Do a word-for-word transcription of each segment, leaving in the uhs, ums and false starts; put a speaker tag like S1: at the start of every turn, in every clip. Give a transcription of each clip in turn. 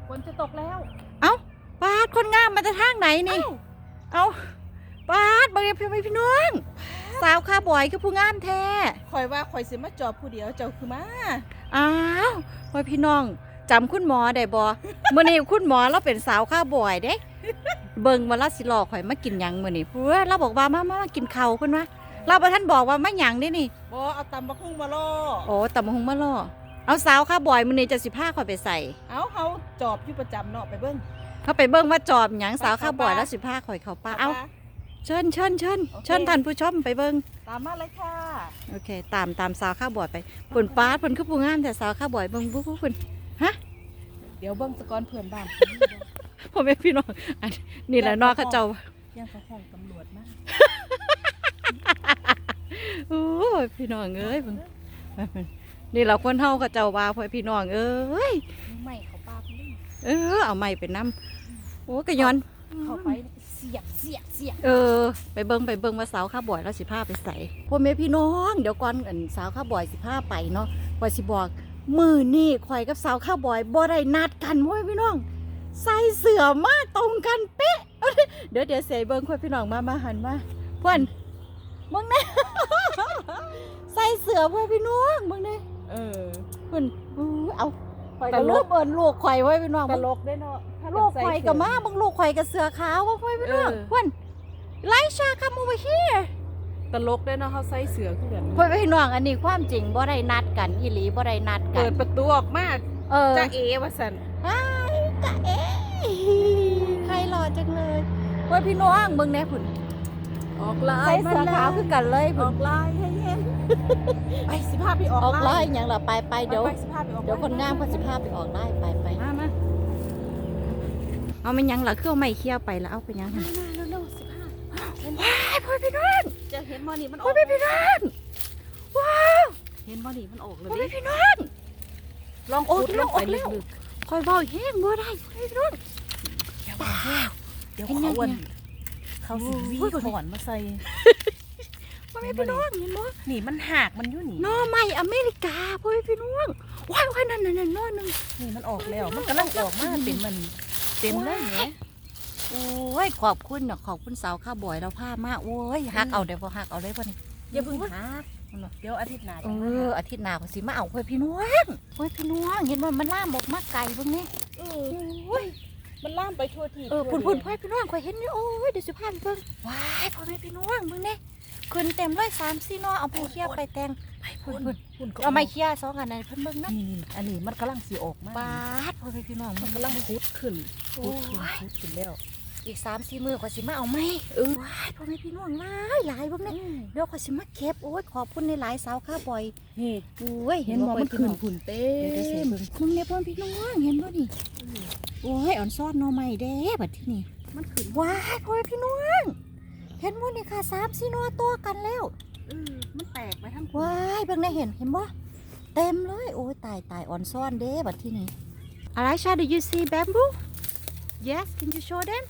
S1: ฝนจะตกแล้ว
S2: เอ้าปาดคนงามมาจากทางไหนนี่เอ้าปาดบางทีพี่พี่น้องสาวข้าบ่อยคือผู้งามแท้
S1: คอยว่าคอยสิมาจอบผู้เดียวเจ้าคือมา
S2: อ้าวพ่อพี่น้องจำคุณหมอได้บ่เมื่อนี้คุณหมอเราเป็นสาวข้าบ่อยเด้เบิ่งมาลาสิหลอกข่อยมากินหยังมื้อนี้เพื่อเราบอกว่ามามามากินข้าวเพิ่นว่าเราบ่ทันบอกว่ามาหยังเด้นี่
S1: บ่เอาตำบักหุ่งมาล่อ
S2: โอ้ตำบักหุ่งมาล่อเอาสาวข้าบ่อยมื้อนี้จะสิพาข่อยไปใส่
S1: เอาเฮาจอบอยู่ประจำเนาะไปเบิ่ง
S2: เขาไปเบิ่งว่าจอบหยังสาวข้าบ่อยแล้วสิพาข่อยเข้าป่าเอ้าเชิญเชิญเชิญเชิญท่านผู้ชมไปเบิ่ง
S1: ตามมาเลยค่ะ
S2: โอเคตามตามสาวข้าบ่อยไปเพิ่นปาดเพิ่นคือผู้งามแต่สาวข้าบ่อยเบิ่งบุเพิ่นฮะ
S1: เดี๋ยวเบิ่งสะก่อนเพื่อนบ้าน
S2: พ่อแม่พี่น้องนี่แหละนอกเขาเจ้า
S1: ยังเขาห้องตำรวจมาก
S2: โอ้ยพี่น้องเอ้ยนี่เราคนเฮาเขาเจ้าว่าพ่อพี่น้องเอ้ย
S1: ไม่เขาปาเพิ่น
S2: เออเอาไม้ไปนำโอ้กะย้อน
S1: เข้าไปเสียบเสียบเสียบ
S2: เออไปเบิ่งไปเบิ่งว่าสาวข้าบ่อยแล้วสิพาไปใส่พ่อแม่พี่น้องเดี๋ยวก่อนอันสาวข้าบ่อยสิพาไปเนาะว่าสิบอกมื้อนี้ข่อยกับสาวข้าบ่อยบ่ได้นัดกันพ่อแม่พี่น้องใส่เสื้อมาตรงกันเป๊ะเดี๋ยวเดี๋ยวเสยเบิ้งค่อยพี่น้องมามาหันมาเพื่อนมึงเนี่ยใส่เสื้อเพื่อนพี่น้องมึงเนี่ย
S1: เออ
S2: เพื่อนเอาข่อยก็ลูกเอิญลูกข่อยไว้พี่น้อง
S1: ตลกได้เนาะ
S2: ลูกข่อยกับมาบังลูกข่อยกับเสื้อขาวว่าเพื่อนพี่น้องเพื่อนไลชาคัมโอเวอร์เฮีย
S1: ตลกได้เนาะเขาใส่เสื้อคือกัน
S2: เพื่อนพี่น้องอันนี้ความจริงบ่ได้นัดกันอีหลีบ่ได้นัดกัน
S1: เปิดประตูออกมาจ้าเอว่าสัน
S2: จ้าเอใครหล่อจังเลยเพื่อนพี่น้องมึงเนี่ยผุน
S1: ออกลาย
S2: ใส่เสื้อขาวคือกันเลย
S1: ออกลายให้เห็นไปสิพาไปออก
S2: ลายอย่างละไปไปเดี๋ยวเดี๋ยวคนงามเขาสิพาไปออกได้ไปไป
S1: มามา
S2: เอาไม่ยังละเครื่องไม่เคี่ยวไปแล้วเอาไปยัง
S1: มาเร็วๆสิพา
S2: ว้ายพ่อพี่น้อง
S1: จะเห็นมอนี่มันออก
S2: พ่อพี่น้องว้าว
S1: เห็นมอนี่มันออกเลย
S2: พ่อพี่น้อง
S1: ลองขุดลงไปลึก
S2: ๆคอยเบาแห้งบ่ได้พี่น้อง
S1: เดี๋ยวเบาแห้งเดี๋ยวเขาวันเขาสิวีถอนมาใส่
S2: พ่อพี่น้องเห็นบ่
S1: นี่มันหักมันอยู่นี่
S2: น้อใหม่อเมริกาพ่อพี่น้องว้ายว้ายนั่นนั่นน้อนึง
S1: นี่มันออกแล้วมันกำลังออกมาเป็นมันเต็มเลยเนี่ย
S2: โอ้ยขอบคุณเนาะขอบคุณสาวข้าบ่อยเราผ้ามาโอ้ยหักเอาเดี๋ยวพอหักเอาเลยพ่อนี่
S1: อย่าเพิ่งหักเดี๋ยวอาทิตย์หน้า
S2: เอออาทิตย์หน้าพอสิมาเอาพ่อพี่น้องพ่อพี่น้องเห็นว่ามันล่ามบอกมาไก่พวกนี้
S1: โอ้ยมันล่ามไปทั่วที่
S2: เออพุ่นพุ่นพ่อพี่น้องคอยเห็นนี่โอ้ยเดี๋ยวสิพาไปเบิ่งว้ายพ่อแม่พี่น้องมึงเนี่ยขึ้นเต็มเลยสามสี่นอเอาไปเคี่ยวไปแตง
S1: ไปพุ่นพุ่น
S2: เอาไม่เคี่ยวสองอันนั้นเพิ่นเบิ่งนะ
S1: นี่อันนี้มันกำลังสีออกมา
S2: บาดพ่อแม่พี่น้อง
S1: มันกำลังพุดขึ้นพุดขึ้นพุดขึ้นแล้ว
S2: อีกสามสี่มือขอยสิมาเอาไหมเออว้ายพ่อแม่พี่น้องหลายหลายพวกนี้เดี๋ยวขอยสิมาเก็บโอ้ยขอบคุณในหลายสาวข้าบ่อย
S1: นี่
S2: โอ้ย
S1: เห็นบ่มันขึ้นผุ่นเต้
S2: เดี๋ยวเสียเบิ่งมึงเนี่ยพ่อพี่น้องเห็นบ่นี่โอ้ยอ่อนซ้อนนอใหม่เด้บัดที่นี่
S1: มันขึ้น
S2: ว้ายพ่อแม่พี่น้องเห็นบ่นี่ค่ะสามสี่นอตัวกันแล้ว
S1: เออมันแตกไปทั้ง
S2: ว้ายเบิ่งได้เห็นเห็นบ่เต็มเลยโอ้ยตายตายอ่อนซ้อนเด้บัดที่นี่อะไรชา do you see bamboo yes can you show them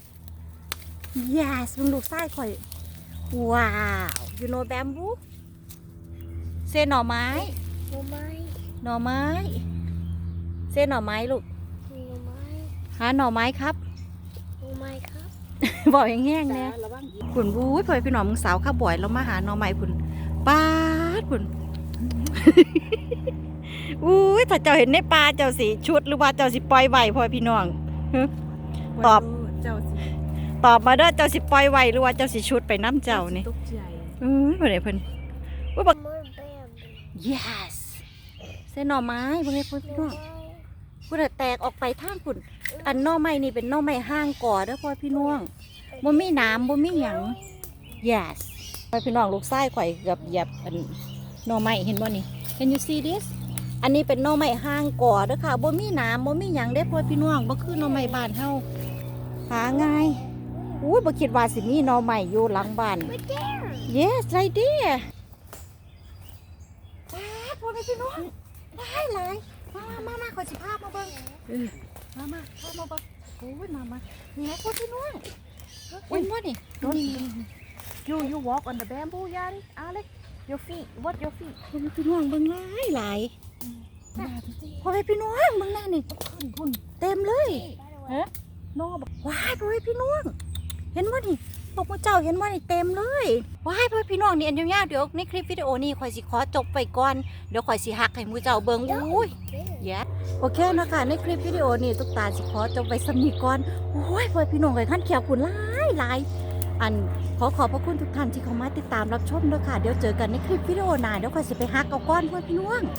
S2: yes มึงลูกไส้ข่อยว้าว you know bamboo เส้นหน่อไม้
S3: หน่อไม้
S2: หน่อไม้เส้นหน่อไม้ลูก
S3: หน่อไม้
S2: หาหน่อไม้ครับ
S3: หน่อไม้ครับ
S2: บอกแห้งๆเนี่ยขุนบู๊ยพ่อพี่น้องมึงสาวข้าบ่อยแล้วมาหาหน่อไม้ขุนป้าดขุนอุ้ยถ้าเจ้าเห็นในปลาเจ้าสีชุดหรือว่าเจ้าสิปล่อยไหวพ่อพี่น้องตอบ
S1: เจ้าสิ
S2: ตอบมาเด้อเจ้าสิปล่อยไหวหรือว่าเจ้าสิชุดไปน้ำเจ้านี่
S1: ตกใจ
S2: เออเพื่อนเพื่อนว่าบอก yes เส้นหน่อไม้พวกนี้พ่อพี่น้องพูดแตกออกไปทางขุนอันหน่อไม้นี่เป็นหน่อไม้ห้างก่อเด้อพ่อพี่น้องบ่มีน้ำบ่มีหยัง yes พ่อพี่น้องลูกไส้ข่อยเกือบเหยียบอันหน่อไม้เห็นบ่นี่ can you see this อันนี้เป็นหน่อไม้ห้างก่อเด้อค่ะบ่มีน้ำบ่มีหยังได้พ่อพี่น้องบ่คือหน่อไม้บ้านเฮาหาง่ายอุ้ยบ่คิดว่าสิมีหน่อไม้อยู่หลังบ้าน yes right there ว้าพ่อแม่พี่น้องหลายหลายมามามาขอสิภาพมาเบิ่งมามาภาพมาเบิ่งโอ้ยมามาเนี่ยพ่อพี่น้องเห็นบ่นี่นี่
S1: you you walk on the bamboo ยาดิ Alex your feet what your feet
S2: พ่อแม่พี่น้องเบิ่งหลายหลาย
S1: หน้าพี่สิ
S2: พ่อแม่พี่น้องมึงแน่นี่
S1: ขึ้นพุ่น
S2: เต็มเลย
S1: ฮะนอบอก
S2: ว้ายพ่อแม่พี่น้องเห็นว่านี่พวกพระเจ้าเห็นว่านี่เต็มเลยว้ายพ่อแม่พี่น้องนี่อันยาวๆเดี๋ยวในคลิปวิดีโอนี้ข่อยสิขอจบไปก่อนเดี๋ยวข่อยสิหักให้มือเจ้าเบิ่งอุ้ย แย่โอเคนะคะในคลิปวิดีโอนี้ตุ๊กตาสิขอจบไปสำนีก่อนโอ้ยพ่อพี่น้องเลยขั้นเขียวคุณหลายหลายอันขอขอบพระคุณทุกท่านที่เข้ามาติดตามรับชมด้วยค่ะเดี๋ยวเจอกันในคลิปวิดีโอหน้าเดี๋ยวค่อยสิไปฮักเอาก้อนเพื่อนพี่น้อง